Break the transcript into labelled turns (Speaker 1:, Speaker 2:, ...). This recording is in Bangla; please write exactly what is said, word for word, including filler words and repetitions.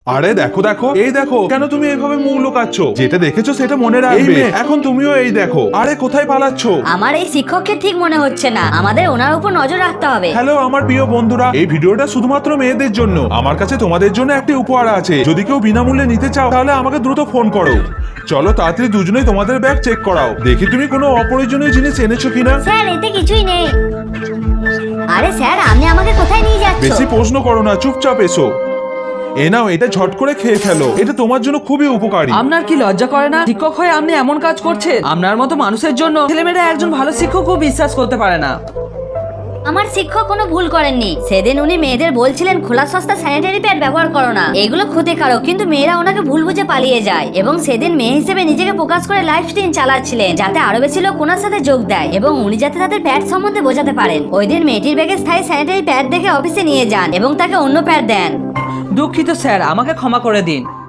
Speaker 1: আরে দেখো দেখো, এই দেখো, কেন তুমি এইভাবে মুখ লুকাচ্ছ? যেটা দেখেছো সেটা মনে রাখবে। এখন তুমিও এই দেখো। আরে কোথায় পালাচ্ছ?
Speaker 2: আমার এই শিক্ষককে ঠিক মনে হচ্ছে না, আমাদের ওনার উপর নজর রাখতে হবে।
Speaker 1: হ্যালো আমার প্রিয় বন্ধুরা, এই ভিডিওটা শুধুমাত্র মেয়েদের জন্য। আমার কাছে তোমাদের জন্য একটি উপহার আছে। যদি কেউ বিনামূল্যে নিতে চাও তাহলে আমাকে দ্রুত ফোন করো। চলো তাড়াতাড়ি দুজনেই তোমাদের ব্যাগ চেক করাও, দেখি তুমি কোনো অপ্রয়োজনীয় জিনিস এনেছো কিনা।
Speaker 2: স্যার এতে কিছুই নেই। আরে স্যার আপনি আমাকে কোথায় নিয়ে যাচ্ছেন?
Speaker 1: বেশি প্রশ্ন করো না, চুপচাপ এসো। এ নাও, এটা ঝট করে খেয়ে ফেলো, এটা তোমার জন্য খুবই উপকারী।
Speaker 3: আপনার কি লজ্জা করে না? শিক্ষক হয়ে আপনি এমন কাজ করছেন? আপনার মতো মানুষের জন্য ছেলেমেয়েরা একজন ভালো শিক্ষকও বিশ্বাস করতে পারে না।
Speaker 2: আমার শিক্ষক কোনো ভুল করেননি। সেদিন উনি মেয়েদের বলছিলেন খোলা সস্তা স্যানিটারি প্যাড ব্যবহার করো না, এগুলো ক্ষতিকারক, কিন্তু মেয়েরা ওনাকে ভুল বুঝে পালিয়ে যায়। এবং সেদিন মেয়ে হিসেবে নিজেকে প্রকাশ করে লাইভ স্ট্রিম চালাচ্ছিলেন, যাতে আরো বেশি লোক ওনার সাথে যোগ দেয় এবং উনি যাতে তাদের প্যাড সম্বন্ধে বোঝাতে পারেন। ওই দিন মেয়েটির ব্যাগে স্থায়ী স্যানিটারি প্যাড দেখে অফিসে নিয়ে যান এবং তাকে অন্য প্যাড দেন।
Speaker 3: দুঃখিত স্যার, আমাকে ক্ষমা করে দিন।